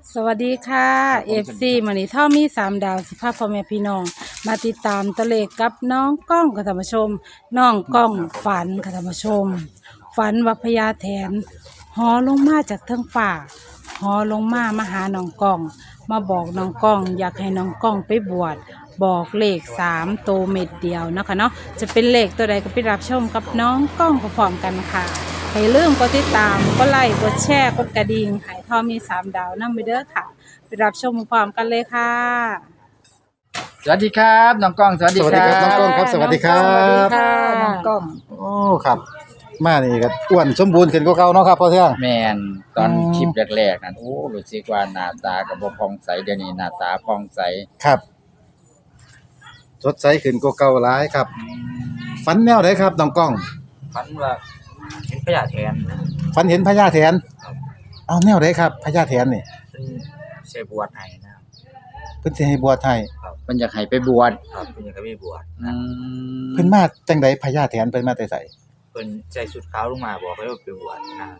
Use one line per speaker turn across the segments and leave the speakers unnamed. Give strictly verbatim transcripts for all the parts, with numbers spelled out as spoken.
สวัสดีค่ะเอฟซีมื้อนี้ท่อมีสามดาวสิพาพ่อแม่พี่น้องมาติดตามตะเลขกับน้องก้องค่ะท่านผู้ชมน้องก้องฝันค่ะท่านผู้ชมฝันว่าพญาแถนหอลงมาจากเทิงฟ้าหอลงมามาหาน้องก้องมาบอกน้องก้องอยากให้น้องก้องไปบวชบอกเลขสามโตวเม็ดเดียวนะคะเนาะจะเป็นเลขตัวใดก็ไปรับชมกับน้องก้องพร้อมๆกันค่ะให้ลืมกดติดตามกดไลค์กดแชร์กดกระดิ่งให้ท่อมีสามดาวนั่งไปเด้อค่ะไปรับชมพร้อมกันเลยค่ะ
สวัสดีครับน้องกล้องสวัสดี
สวัสดีครับน้องกล้องครับสวัสดีครับ
สวัสดีค่ะน้องกล้อง
โอ้ครับ มานี่ก็อ้วนสมบูรณ์ขึ้นกว่าเก่าเนาะครับพ่อเทือง
แมนตอน
อืม
คลิปแรกๆนั่นโอ้รู้สึกว่าหน้าตากับบ่พองใสเดี๋ยวนี้หน้าตาพองใส
ครับสดใสขึ้นกว่าเก่าหลายครับฝันแนวไหนครับน้องกล้อง
ฝันว่าเห็นพญาแทน
ฝันเห็นพญาแถนเอาแนวไหนครับพญาแถนนี่
เป็นเสบวชให้นะครับ
เพิ่นสิให้บวชให้
เพิ่นอยากให้ไปบวช
ครับเป็นอย่างกับมีบวช
อื
นะ
ม
เพิ่นมาจังไดพญาแถนเพิ่นมาแต่ไส
เป็นใส่ชุดขาวลงมาบอกให้ว่าไปบวชนะ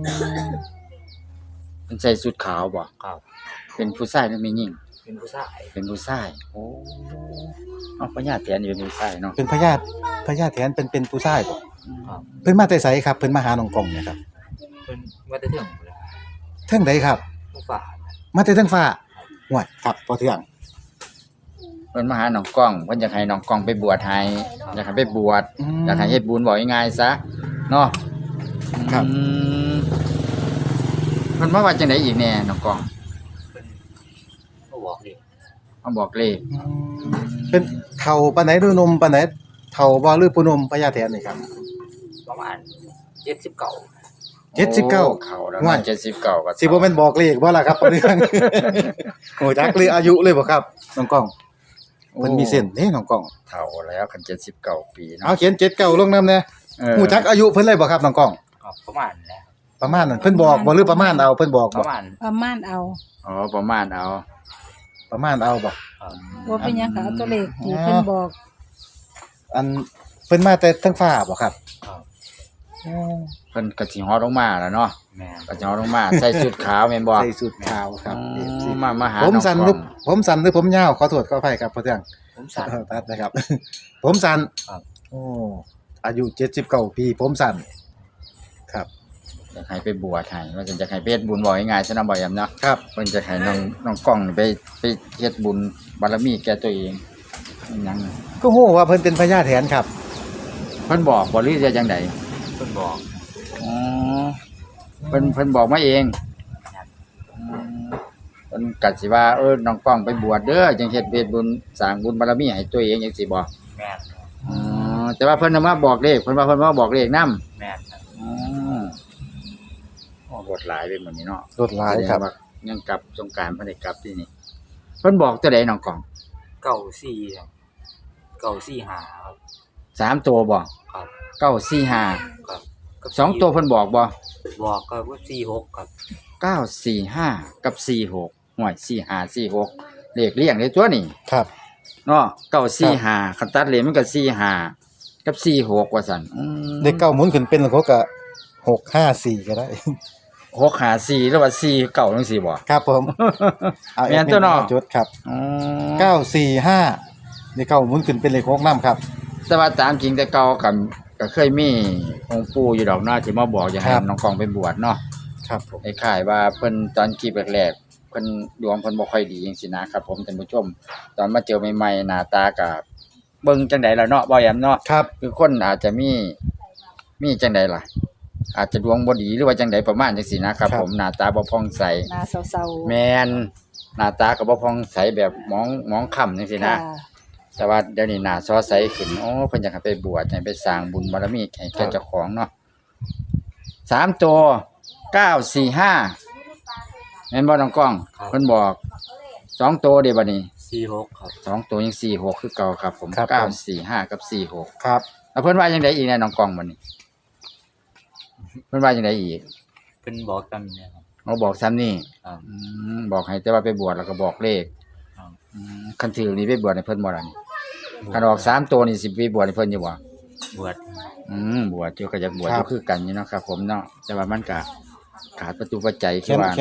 เพิ่นใส่ชุดขาวบ่
ครับ
เป็นผู้ชายหรือผู้หญิง
เป็นผู้ชาย
เป็นผู้ชายโอ้เอาพญาแถนนี่เป็นผู้ชายเนาะ
เป็นพญาพญาแถนเป็นเป็นผู้ชายบ่
ครับ
เพิ่นมาแต่ไสครับเพิ่นมาหาน้องกล้องเนี่ยครับ
เป็นว่าจะเที่ยงเลย
เทิงใดครับ
ผู้ฝ่านะ
มาแต่เทิงฟ้าห่วยครับพ่อเทือง
เพิ่นมาหาน้องกล้องเพิ่นอยากให้น้องกล้องไปบวชให้อยากให้ไปบวชอยากให้เฮ็ดบุญบอกง่ายๆซะเนาะ
ครับ
อืมเพิ่นมาว่าจังไดอีกแน่น้องกล้อง
เป็นผู้บอกดิ
มาบอกเลข
เป็นเฒ่าปานไหนหรือหนุ่มปานไหนเฒ่าบ่หรือผู้หนุ่มพญาแถนนี่ครับ
ประมาณเจ็ดสิบเก้า
เจ็ดสิบเก้า
โอ้เข้าแล้ว
ว่า
เนาะเจ็ดสิบเก้าก็
สิบ่แม่นบอกเลขบ่ล่ะครับพ่อเทือง โอ้จักเลยอายุเลยบ่ครับน้องกล้องเพิ่นมีเส้นเด้น้องกล้อง
เฒ่าแล้วคันเจ็ดสิบเก้าปีเนาะ
เอาเขียนเจ็ดเก้าลงนำแน่
เออ
ฮู้จักอายุเพิ่นเลยบ่ครับน้องกล้อง
ครับประมาณนะ
ประมาณนั้นเพิ่นบอกบ่หรือประมาณเอาเพิ่นบอก
ป
บ่
ระมาณ
ประมาณเอา
อ๋อประมาณเอา
ประมาณเอาบ่
ครับ
ว่าเป็นหยังค่ะเอาตัวเลขที่เพิ่นบอก
อันเพิ่นมาแต่เทางฟ้าบ่ครับ
ครับ
อ๋อ
เพิ่นก็สิฮอดลงมาแล้วเนาะ
แม่น
ก็สิฮอดลงมาใส่ชุดขาวแม่นบ่
ใส่สุดขาวครับ
อื
เอฟ
ม
ซี
มามาหา
ผมสั้น
อง
หรื
ก
อ
ล้อง
ผมสั้นหรือผมยาวขอโทษขออภัยครับพ่อเทือง
ผมสั่น
ตัดนะครับ ผมสั้น
ครับ
โอ้อายุเจ็ดสิบเก้าปีผมสั้นครับ
อยากให้ไปบวชให้ว่าจะอยากให้ไปเฮ็ดบุญบอกง่ายๆซะเนาะบ่ยำเนาะ
ครับ
เพิ่นจะให้น้องน้องกล้องนี่ไปไปเฮ็ดบุญบารมีแก่ตัวเองอิหยัง
ก็ฮู้ว่าเพิ่นเป็นพญาแถนครับ
เพิ่นบอกบ่หรือจะจังได
เพิ่นบอก
อ๋อเพิ่นเพิ่นบอกมาเองอืมเพิ่นก็สิว่าเออน้องกล้องไปบวชเด้อจังเฮ็ดเฮ็ดบุญสร้างบุญบารมีให้ตัวเองจังซี่บ่
แม่น
อ๋อแต่ว่าเพิ่นน่ะมาบอกเลขเพิ่นว่าเพิ่นมาบอกเลขนำ
แม่นครับ
อ๋อโอ้บทหลายเป็นหมดนี้เนาะ
รถหลายครับ
แสดงว่ายังกลับสงกรานต์เพิ่นได้กลับที่นี่เพิ่นบอกตัวใดน้องกล้อง
เก้าสี่ครับเก้าสี่ห้าครับ
สามตัวบ่
ครับ
เก้าสี่ห้า
ครับกับ
สองตัวเพิ่นบอกบ่
บอกก็ว่าสี่หกครับ
เก้าสี่ห้ากับสี่หกห่วยสี่ห้าสี่หกเลขเลี่ยงได้ตัวนี่
ครับ
เนาะเก้าสี่ห้าคันตัดเลขมันก็สี่ห้ากับสี่หกว่าซั่นอืม
เด็กเก้าหมุนขึ้นเป็นเขาก็หกห้าสี่ก็ได้
หกห้าสี่หรือว่าสี่เก้าจังซี่บ่
ครับผมเอา
แม่นตัวเนาะ
จดครับ
อ๋อ
เก้าสี่ห้าเด็กเก้าหมุนขึ้นเป็นเลขหกนำครับ
แต่ว่าตามจริงแต่เก่ากับก็เคยมีองค์ปู่อยู่ดอกเนาะที่มาบอกอย่าให้
ครับ
น้องกองไปบวชเนาะ
ครับผม
ไอ้ข่ายว่าเพิ่นตอนคลิปแรกๆเพิ่นดวงเพิ่นบ่ค่อยดีจังซี่นะครับผมท่านผู้ชม ตอนมาเจอใหม่ๆหน้าตาก็เบิ่งจังไดล่ะเนาะบ่แยมเนาะ
ครับ
คือคนอาจจะมีมีจังไดล่ะ อาจจะดวงบ่ดีหรือว่าจังไดประมาณจังซี่นะครับ ผมหน้าตาบ่ผ่องใส
หน้าเศร้าๆ
แม่นหน้าตาก็บ่ผ่องใสแบบมองมองค่ำจังซี่นะ
ค่ะ
แต่ว่าเดี๋ยวนี้หน้าซอใสขึ้นโอ้เพิ่นอยากให้ไปบวชให้ไปสร้างบุญบารมีให้แก่เจ้าของเนาะสามตัวเก้าสี่ห้าแม่นบ่น้องกล้องเพิ่นบอกสองตัวเด้บัดนี้
สี่หกครับ
สองตัวยังสี่หกคือเก่าครับผม
ครับ
เก้า
ผม
สี่ห้ากับสี่หก
ครับ
แล้วเพิ่นว่าจังไดอีกแน่น้องกล้องบัดนี้เพิ่นว่าจังไดอีก
เพิ่นบอกกันเนี่ยครับ
เขาบอกซ้ำนี่
ครับ
อืมบอกให้แต่ว่าไปบวชแล้วก็บอกเลข
ครับ
อืมคันถือนี่ไปบวชให้เพิ่นบ่ล่ะนี่คันออกสามตัวนี่สิไปบวชให้เพิ่นอยู่บ่
บวช
อืมบวชอยู่ก็อยากบวช
ค
อ
รับ
ยู่คือกันอยู่เนาะครับผมเนาะแต่ว่ามันก็ขาดประตูปัจจัย
เขี
คื
ย
อน ว่า
เขียน
น่ะ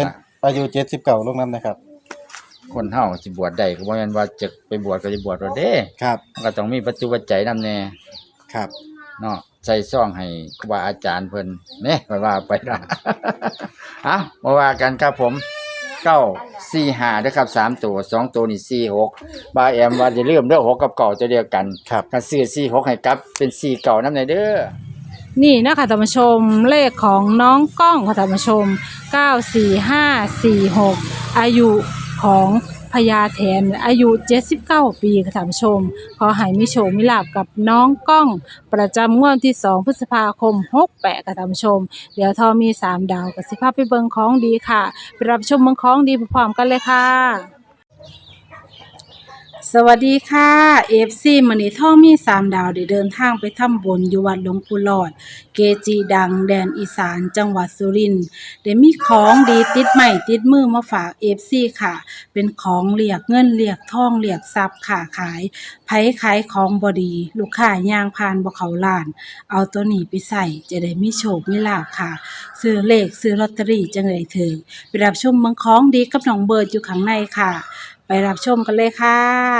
อายุเจ็ดสิบเก้าลงน้ำนะครับ
คนเฮาสิบวชได้ก็บ่แม่นว่าจะไปบวชก็สิบวชบ่ได้
ครับ
มันก็ต้องมีปัจจุปัจจัยนำแน่
ครับ
เนาะใส่ซองให้ครูบาอาจารย์เพิ่นแหน่ก็ว่าไปล่ะ เอ้ามาว่ากันครับผมเก้า สี่ ห้าเด้อครับสามตัวสองตัวนี่สี่ หกบาแอมว่าอย่าลืมเด้อหกกับเก้าตัวเดียวกัน
ครับ
ถ้าซื้อสี่ หกให้กลับเป็นสี่เก้านำได้เด้อ
นี่นะคะท่านผู้ชมเลขของน้องกล้องค่ะท่านผู้ชมเก้า สี่ ห้า สี่ หกอายุของพญาแถนอายุเจ็ดสิบเก้าปีค่ะท่านผู้ชมขอให้มีโชคมีลาภกับน้องกล้องประจำงวดที่สองพฤษภาคมหกแปดค่ะท่านผู้ชมเดี๋ยวทอมีสามดาวกับสิภาพไปเบิงของดีค่ะไปรับชมเบิงของดีพร้อมๆกันเลยค่ะสวัสดีค่ะ เอฟ ซี มื้อนี้ท่อมีสามดาวได้เดินทางไปทำบุญอยู่วัดหลวงปู่หลอด เกจิดังแดนอีสานจังหวัดสุรินทร์ได้มีของดีติดไม้ติดมือมาฝาก เอฟ ซี ค่ะ เป็นของเรียกเงินเรียกทองเรียกทรัพย์ค้าขายไผขายของบ่ดีลูกค้าย่างผ่านบ่เข้าร้าน เอาตัวนี้ไปใส่จะได้มีโชคมีลาภค่ะ ซื้อเลขซื้อลอตเตอรี่จังได้ถึงไปรับชมเมืองของดีกับน้องเบิร์ดอยู่ข้างในค่ะ ไปรับชมกันเลยค่ะ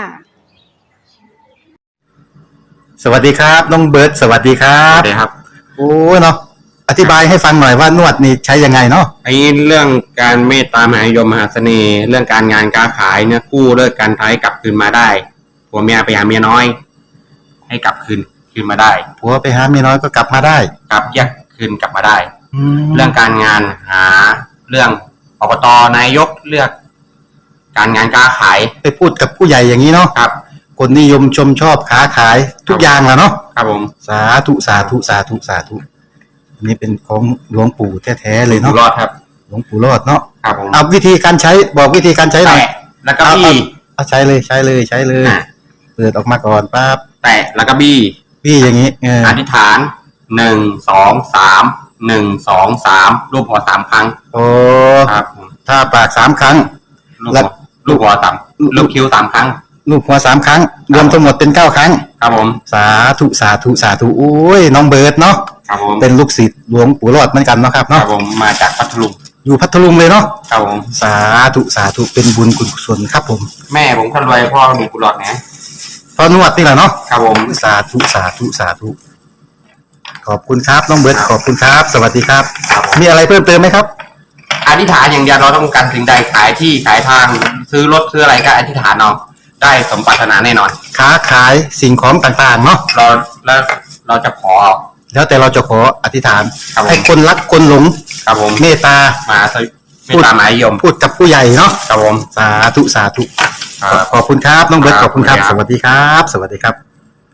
สวัสดีครับน้องเบิร์ดสวัสดีครั
ครับ บสวัสดีครับ
โอ้เนาะอธิบายให้ฟังหน่อยว่านวดนี่ใช้ยังไงเนาะ
ไอ้เรื่องการเมตตามหานิยมมหาเสน่ห์ เรื่องการงานการขายเนี่ยกู้เลิกการท้ายกลับคืนมาได้ผัวเมียไปหาเมียน้อย ให้กลับคืนคืนมาได้
ผัวไปหาเมียน้อยก็กลับมาได้
กลับแยกคืนกลับมาได้
แล้
เรื่
ว
องการงานหาเรื่องอบตนายกเลือก การงานการขาย
ไปพูดกับผู้ใหญ่อย่างนี้เนาะ
ครับ
คนนิยมชมชอบค้าขายทุกอย่างแหละเนาะ
ครับผม
สาธุสาธุสาธุสาธุอันนี้เป็นของหลวงปู่แท้ๆเลย
อยู่
เนาะ
รอดครับ
หลวงปู่รอดเนาะ
ครับผม
เอาวิธีการใช้บอกวิธีการใช้หน่อย
แตะแล้วก็บี้
เอาใช้เลยใช้เลยใช้เลย
อ่ะ
เปิดออกมาก่อนปั๊บ
แตะแล้วก็บี้
พี่อย่างนี้เออ
อธิษฐานหนึ่งสองสามหนึ่งสองสามรูปหัวสามครั้ง
โอ้
ครับผม
ถ้าปากสามครั้ง
ลูก
แล้
หั
ว
วลูกหัวสามลูกคิ้วสามครั้ง
ลูกหัวสามครั้ง รวมทั้งหมดเป็นเก้าครั้ง
ครับผม
สาธุสาธุสาธุโอ้ยน้องเบิร์ดเนาะ
ครับผม
เป็นลูกศิษย์หลวงปู่รอดเหมือนกันเนาะครับ
ครั
เนาะ
บผมมาจากพัทลุง
อยู่พัทลุงเลยเนาะ
ครับผม
สาธุสาธุเป็นบุญกุศลครับผม
แม่ผมคนรวยพ่อมีกุหลาบนะ
พอนวดนี่แหละเนาะ
ครับผม
สาธุสาธุสาธุขอบคุณครับน้องเบิร์ดขอบคุณครับ สวัสดีครับ
ครับผม
มีอะไรเพิ่มเติมไหมครับ
อธิษฐานอย่างเดียวเราต้องการสิ่งใดขายที่ขายทางซื้อรถซื้ออะไรก็อธิษฐานเอาได้สมปรารถนาแน่นอน
ค้าขายสิ่งของต่างๆเนาะ
เราแล้วเราจะขอ
แล้วแต่เราจะขออธิษฐาน
ครับผม
ให้คนรักคนหลง
ครับผม
เมตตา
มาสวิไม่ตามหมายยม
พูดกับผู้ใหญ่เนาะ
ครับผม
สาธุสาธุ
ครับ
ขอบคุณครับน้องเบิร์ต
ค
ข
รับ
อบคุณครับ
ขอบ
ส
คุณครับ
วัสดีครับ สวัสดีครับ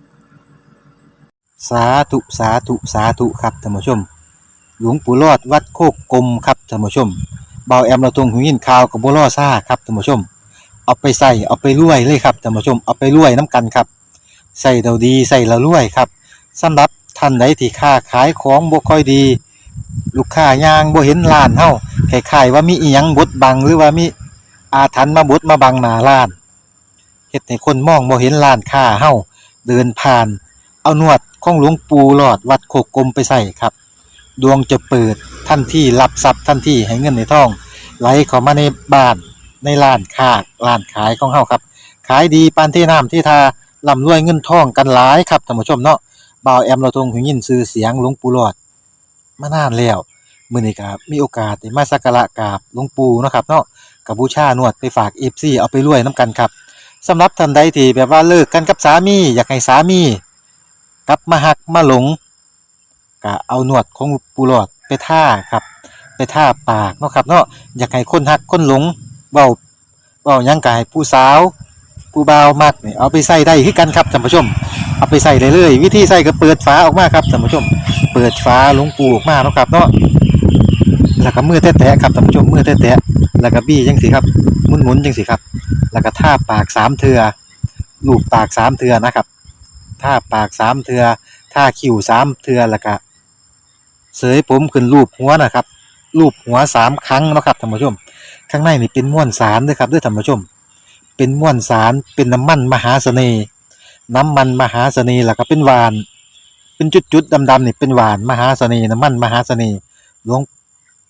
สาธุสาธุสาธุครับท่านผู้ชม หลวงปู่รอดวัดโคกกลมครับท่านผู้ชมเบาแอมเราตรงหูยินข่าวกับบัวล่อซ่าครับท่านผู้ชม เอาไปใส่เอาไปรวยเลยครับท่านผู้ชมเอาไปรวยน้ำกันครับใส่เราดีใส่เรารวยครับสำหรับท่านใดที่ค้าขายของบ่ค่อยดี ลูกค้ายางบ่เห็นร้านเฮาคล้ายๆว่ามีอีหยังบดบังหรือว่ามีอาถรรพ์มาบดมาบังหน้าร้านเฮ็ดให้คนมองบ่เห็นร้านค้าเฮาเดินผ่าน เอานวดของหลวงปู่หลอดวัดโคกกลมไปใส่ครับ ดวงจะเปิดทันทีรับทรัพย์ทันทีให้เงินในท้องไหลเข้ามาในบ้านในร้านค้าร้านขายของเฮาครับขายดีปานที่น้ำที่ทาร่ำรวยเงินทองกันหลายครับท่านผู้ชมเนาะบ่าวแอมเราทรงหูยินชื่อเสียงหลวงปู่หลอดมานานแล้วมื้อนี้ก็มีโอกาสได้มาสักการะกราบหลวงปู่เนาะครับเนาะก็บูชานวดไปฝาก เอฟ ซี เอาไปรวยนํกันครับสำหรับท่านใดที่แบบว่าเลิกกันกับสามีอยากให้สามีกลับมาหักมาหลงก็เอานวดของปู่หลอดไปท่าครับไปท่าปากเนาะครับเนาะอยากให้คนหักคนหลงเว้าเว้าหยังก็ให้ผู้สาวผู้บ่าวมักนี่เอาไปใส่ได้คือกันครับท่านผู้ชมเอาไปใส่ได้เลยวิธีใส่ก็เปิดฝาออกมาครับท่านผู้ชมเปิดฝาหลวงปู่ออกมาเนาะครับเนาะแล้วก็มือแตะๆครับท่านผู้ชมมือแตะๆแล้วก็บี้จังซี่ครับหมุนๆจังซี่ครับแล้วก็ท่าปากสามเทื่อลูบปากสามเทื่อนะครับท่าปากสามเทื่อท่าคิ้วสามเทื่อแล้วก็เสยผมขึ้นรูปหัวนะครับรูปหัวสามครั้งเนาะครับท่านผู้ชมข้างในนี่เป็นม้วนสารเด้อครับเด้อท่านผู้ชมเป็นม้วนสารเป็นน้ำมันมหาเสน่ห์น้ำมันมหาเสน่ห์แล้วก็เป็นหวานเป็นจุดๆดำๆนี่เป็นหวานมหาเสน่ห์น้ำมันมหาเสน่ห์หลวงปู่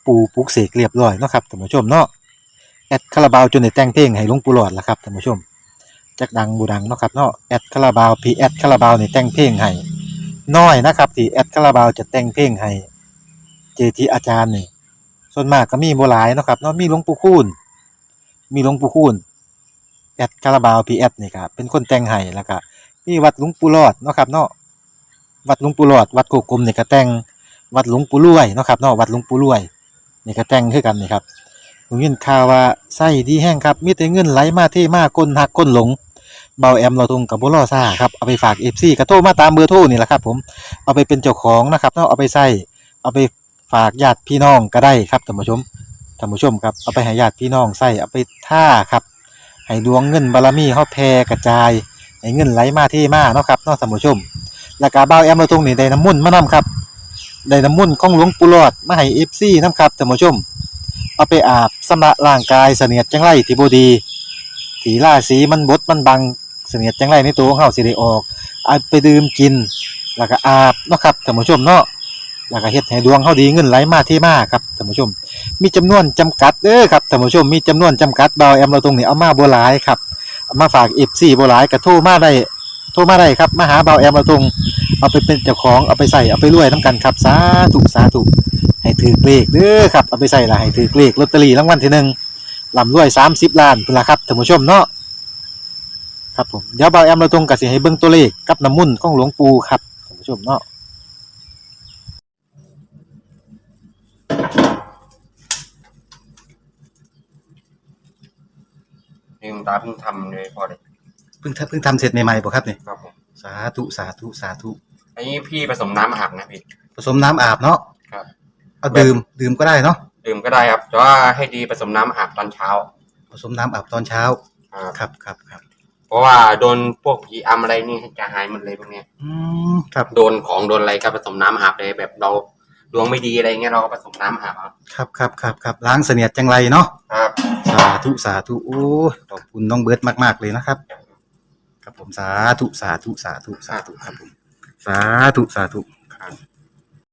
ปู่ปลุกเสกเรียบร้อยเนาะครับท่านผู้ชมเนาะแอดคาราบาวจนได้แต่งเพลงให้หลวงปู่หลอดล่ะครับท่านผู้ชมจักดังบ่ดังเนาะครับเนาะแอดคาราบาวพี่แอดคาราบาวนี่แต่งเพลงให้น้อยนะครับที่แอดคาราบาวจะแต่งเพลงให้เจจิอาจารย์นี่ส่วนมากก็มีบ่หลายเนาะครับเนาะมีหลวงปู่คูณมีหลวงปู่คูณแอดคาราบาวพี่แอดนี่ก็เป็นคนแต่งให้แล้วก็มีวัดหลวงปู่หลอดเนาะครับเนาะวัดหลวงปู่หลอดวัดโคกกลมนี่ก็แต่งวัดหลวงปู่รวยเนาะครับเนาะวัดหลวงปู่รวยนี่ก็แต่งคือกันนี่ครับผมยินข่าวว่าไส้ดีแห้งครับมีแต่เงินไหลมาเทมาก้นหักก้นหลงเบาแอมเราตรงกับบ่รอซ่าครับเอาไปฝาก เอฟ ซี ก็โทรมาตามเบอร์โทรนี่แหละครับผมเอาไปเป็นเจ้าของนะครับเนาะเอาไปใส่เอาไปฝากญาติพี่น้องก็ได้ครับท่านผู้ชมท่านผู้ชมครับเอาไปให้ญาติพี่น้องใส่เอาไปท่าครับให้ดวงเงินบารมีเฮาแผ่กระจายให้เงินไหลมาเทมาเนาะครับเนาะท่านผู้ชมแล้วก็เบาแอมเราตรงนี่ได้น้ำมนต์มานํครับได้น้ำมนต์ของหลวงปู่หลอดมาให้ เอฟ ซี นํครับท่านผู้ชมเอาไปอาบชำระร่างกายเสนียดจังไรที่บ่ดีที่ราศีมันบดมันบังเสนียดจังไรในตัวของเฮาสิได้ออกเอาไปดื่มกินแล้วก็อาบเนาะครับท่านผู้ชมเนาะแล้วก็เฮ็ดให้ดวงเฮาดีเงินไหลมาเทมาครับท่านผู้ชมมีจำนวนจำกัดเด้อครับท่านผู้ชมมีจำนวนจำกัดเบาแอมเราตรงนี้เอามาบ่หลายครับเอามาฝาก เอฟ ซี บ่หลายก็โทรมาได้โทรมาได้ครับมาหาเบาแอมเราตรงเอาไปเป็นเจ้าของเอาไปใส่เอาไปรวยนํกันครับสาธุสาธุให้ถือเลขเด้อครับเอาไปใส่ละให้ถือเลขลอตเตอรี่รางวัลที่หนึ่งร่ำรวยสามสิบล้านพุ่นล่ะครับท่านผู้ชมเนาะครับผมเดี๋ยวเบาแอมเราตรงก็สิให้เบิ่งตัวเลขกับน้ำมนต์ของหลวงปู่ครับท่านผู้ชมเนาะ
นี่คุณตาเพิ่งทำเลยพอเลย
เพิ่งทำเพิ่งทำเสร็จใหม่ๆบ่ครับเนี่ย
ครับผม
สาธุสาธุสาธุ
อันนี้พี่ผสมน้ำอาบนะพี่
ผสมน้ำอาบเนาะ
ครับ
เอาดื่มดื่มก็ได้เนาะ
ดื่มก็ได้ครับแต่ว่าให้ดีผสมน้ำอาบตอนเช้า
ผสมน้ำอาบตอนเช้า
ครับ
ครับครับครับ
เพราะว่าโดนพวกผีอำอะไรนี่จะหายหมดเลยพวกเนี้ย
อืมครับ
โดนของโดนอะไรก็ผสมน้ำอาบเลยแบบเราดวงไม่ดีอะไรเงี้ยเราก็ผสมน้ำอาบเอา
ครับครับครับครับล้างเสนียดจังไรเนาะ
ครับ
สาธุสาธุโอ้ยขอบคุณน้องเบิร์ตมากๆเลยนะครับครับผมสาธุสาธุสาธุสาธุครับผมสาธุสาธุ
ครับ